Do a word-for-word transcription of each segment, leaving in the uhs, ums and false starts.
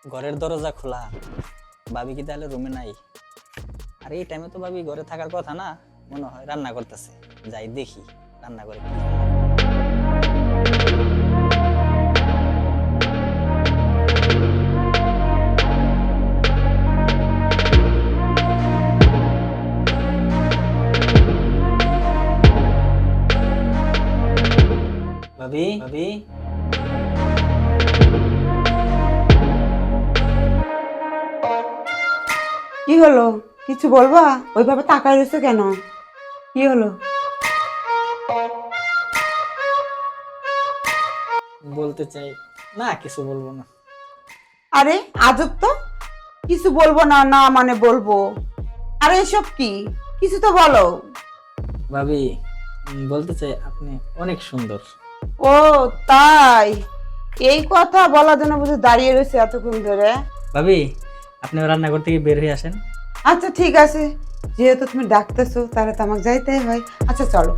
ঘরের দরজা খোলা, ভাবি কি তাহলে রুমে নাই? আর এই টাইমে তো ভাবি ঘরে থাকার কথা না, মনে হয় রান্না করতেছে। যাই দেখি রান্না করে কি রান্না করে। ভাবি ভাবি কি হলো? কিছু বলবা? ওইভাবে তাকায় রয়েছে কেন? কি হলো? বলতে চাই না, কিছু বলবো না। আরে আজব তো, কিছু বলবো না না মানে বলবো। আরে এসব কি? কিছু তো বলো। ভাবি উম, বলতে চাই আপনি অনেক সুন্দর। ও তাই? এই কথা বলার জন্য বুঝে দাঁড়িয়ে রয়েছে এতক্ষণ ধরে? ভাবি আপনি রান্নাঘর থেকে বের হয়ে আসেন। আচ্ছা ঠিক আছে, যেহেতু তুমি ডাকতেছো তাহলে তো আমাকে যাইতেই হয়। আচ্ছা চলো।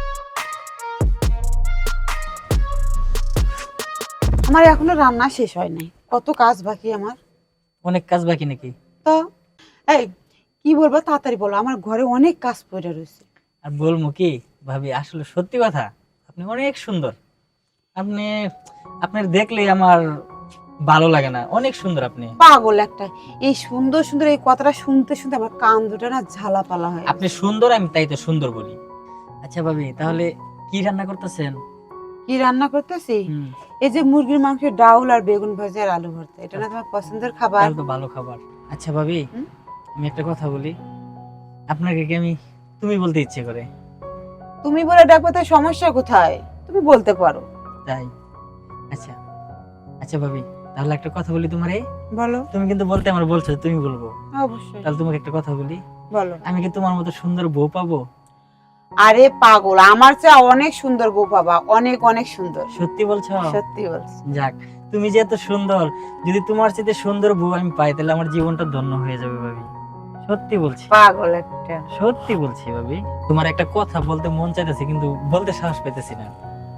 আমার এখনো রান্না শেষ হয় নাই, কত কাজ বাকি আমার। অনেক কাজ বাকি নাকি? তো এই কি বলবো, তাড়াতাড়ি বলো, আমার ঘরে অনেক কাজ পড়ে রয়েছে। আর বলবো কি ভাবি, আসলে সত্যি কথা, আপনি অনেক সুন্দর। আপনি আপনার দেখলেই আমার ভালো লাগে না, অনেক সুন্দর আপনি। পাগল একটা, এই সুন্দর সুন্দর এই কথাটা শুনতে শুনতে আমার কান দুটো না ঝালাপালা হয়। আপনি সুন্দর, আমি তাই তো সুন্দর বলি। আচ্ছা ভাবি, তাহলে কি রান্না করতেছেন? কি রান্না করতেছি? হুম, এই যে মুরগির মাংসের ডাউল আর বেগুন ভাজা আর আলু ভর্তা, এটা না তোমার পছন্দের খাবার? তাহলে তো ভালো খাবার। আচ্ছা ভাবি, হুম? আমি একটা কথা বলি, আপনাকে কি আমি তুমি বলতে ইচ্ছে করে? তুমি বলে ডাকবে, তার সমস্যা কোথায়? তুমি বলতে পারো। তাই? আচ্ছা আচ্ছা ভাবি, তাহলে একটা কথা বলি তোমারে। বলো। তুমি কিন্তু বলতে আমার বলছো, তুমি বলবো। অবশ্যই তাহলে তোমাকে একটা কথা বলি, বলো। আমি কি তোমার মতো সুন্দর বউ পাবো? আরে পাগল, আমার চেয়ে অনেক সুন্দর বউ বাবা, অনেক অনেক সুন্দর। সত্যি বলছো? সত্যি বলছি। যাক, তুমি যে এত সুন্দর, যদি তোমার চেয়ে সুন্দর বউ আমি পাই তাহলে আমার জীবনটা ধন্য হয়ে যাবে ভাবি। সত্যি বলছি, পাগল একটা। সত্যি বলছি ভাবি। তোমার একটা কথা বলতে মন চাইতেছে কিন্তু বলতে সাহস পেতেছি না।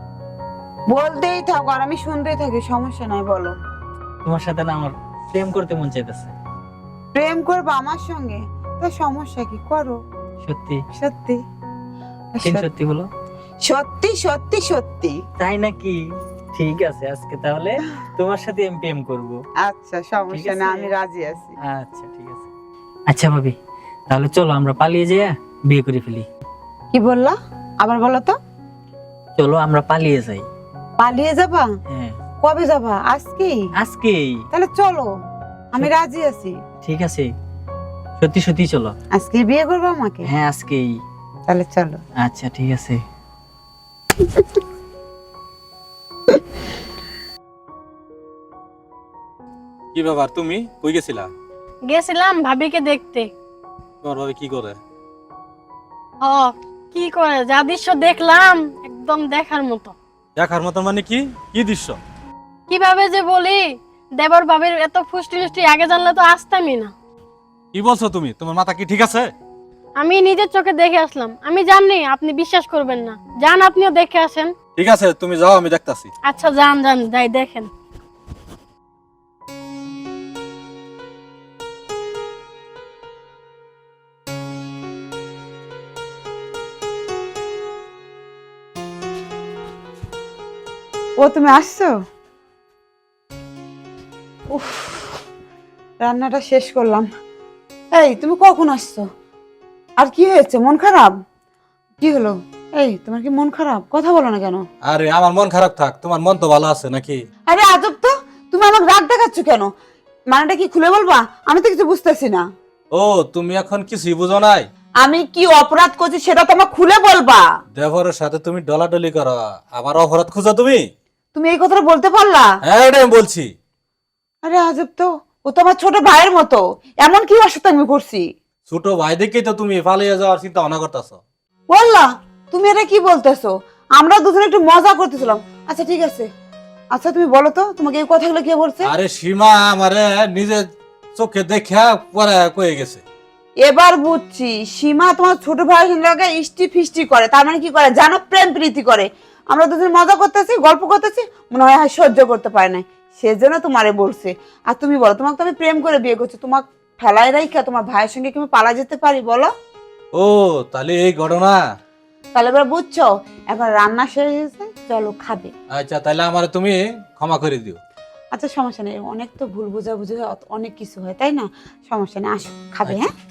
বলতেই থাকো আর আমি শুনতেই থাকি, সমস্যা নাই, বলো। তোমার সাথে না আমার প্রেম করতে মন চাইতেছে। প্রেম করবো আমার সঙ্গে? তা সমস্যা কি, করো। সত্যি? সত্যি তিন সত্যি বলো। সত্যি সত্যি সত্যি। তাই নাকি? ঠিক আছে, আজকে তাহলে তোমার সাথে আমি প্রেম করব। আচ্ছা সমস্যা ঠিক না, আছে। আমি রাজি আছি। আচ্ছা ঠিক আছে। আচ্ছা ভাবি, তাহলে চলো আমরা পালিয়ে যাই, বিয়ে করে ফেলি। কি বললা? আবার বলো তো। চলো আমরা পালিয়ে যাই। পালিয়ে যাবা? হ্যাঁ, কবে যাবা? আজকেই? আজকেই। তাহলে চলো, আমি রাজি আছি। ঠিক আছে, সত্যি সত্যি চলো। আজকে বিয়ে করবো আমাকে? হ্যাঁ আজকেই। তাহলে চলো। আচ্ছা ঠিক আছে। কি ব্যাপার, তুমি কই গেছিলা? গেছিলাম ভাবিকে দেখতে। তোমার ভাবে কি করে? ও কি করে, যা দৃশ্য দেখলাম একদম দেখার মতো। দেখার মতো মানে কি? কি দৃশ্য? কিভাবে যে বলি, দেবর ভাবির এত ফুষ্টি ফুষ্টি আগে জানলে তো আসতামই না। কি বলছো তুমি? তোমার মাথা কি ঠিক আছে? আমি নিজের চোখে দেখে আসলাম, আমি জানি আপনি বিশ্বাস করবেন না, যান আপনিও দেখে আসেন। ঠিক আছে, তুমি যাও, আমি দেখতাছি। আচ্ছা যান যান, যাই দেখেন। ও তুমি আসছো? উফ, রান্নাটা শেষ করলাম। এই তুমি কখন আসছো? আর কি হয়েছে, মন খারাপ? কি হলো? এই তোমার কি মন খারাপ? কথা বলো না কেন? আরে আমার মন খারাপ থাক, তোমার মন তো ভালো আছে নাকি? আরে আজব তো, তুমি আমাকে রাগ দেখাচ্ছ কেন? মানেটা কি খুলে বলবা? আমি তো কিছু বুঝতেছি না। ও তুমি এখন কিছুই বুঝো নাই? আমি কি অপরাধ করছি সেটা তো আমাকে খুলে বলবা। দেবরের সাথে তুমি ডলাডলি করো, আমার অপরাধ খুঁজো তুমি? তুমি এই কথাটা বলতে পারলা? হ্যাঁ এটা আমি বলছি। আরে আজব তো, ও তো আমার ছোট ভাইয়ের মতো, এমন কি ওর সাথে আমি করছি? ছোট ভাই দেখেই তো তুমি পালিয়ে যাওয়ার চিন্তা ভাবনা করতেছো। বললা তুমি এটা কি বলতেছো? আমরা দুজনে একটু মজা করতেছিলাম। আচ্ছা ঠিক আছে, আচ্ছা তুমি বলো তো, তোমাকে এই কথাগুলো কে বলছে? আরে সীমা আমারে নিজের চোখে দেখা পরে কয়ে গেছে। এবার বুঝছি, সীমা তোমার ছোট ভাইয়ের লাগে ইষ্টি ফিষ্টি করে, তার মানে কি করে জানো? প্রেম প্রীতি করে। আমরা দুজন মজা করতেছি, গল্প করতেছি, মনে হয় আর সহ্য করতে পারে না। সেজন্য তোমারে বলছে। আর তুমি বলো, তোমাকে তো আমি প্রেম করে বিয়ে করছি, তোমাকে ফেলাই রাইখা তোমার ভাইয়ের সঙ্গে কি আমি পালা যেতে পারি বলো? ও তাহলে এই ঘটনা। তাহলে এবার বুঝছো, এখন রান্না শেষ হয়েছে, চলো খাবে। আচ্ছা তাহলে আমার তুমি ক্ষমা করে দিও। আচ্ছা সমস্যা নেই, অনেক তো ভুল বোঝাবুঝি হয়, অনেক কিছু হয় তাই না, সমস্যা নেই, আসো খাবে। হ্যাঁ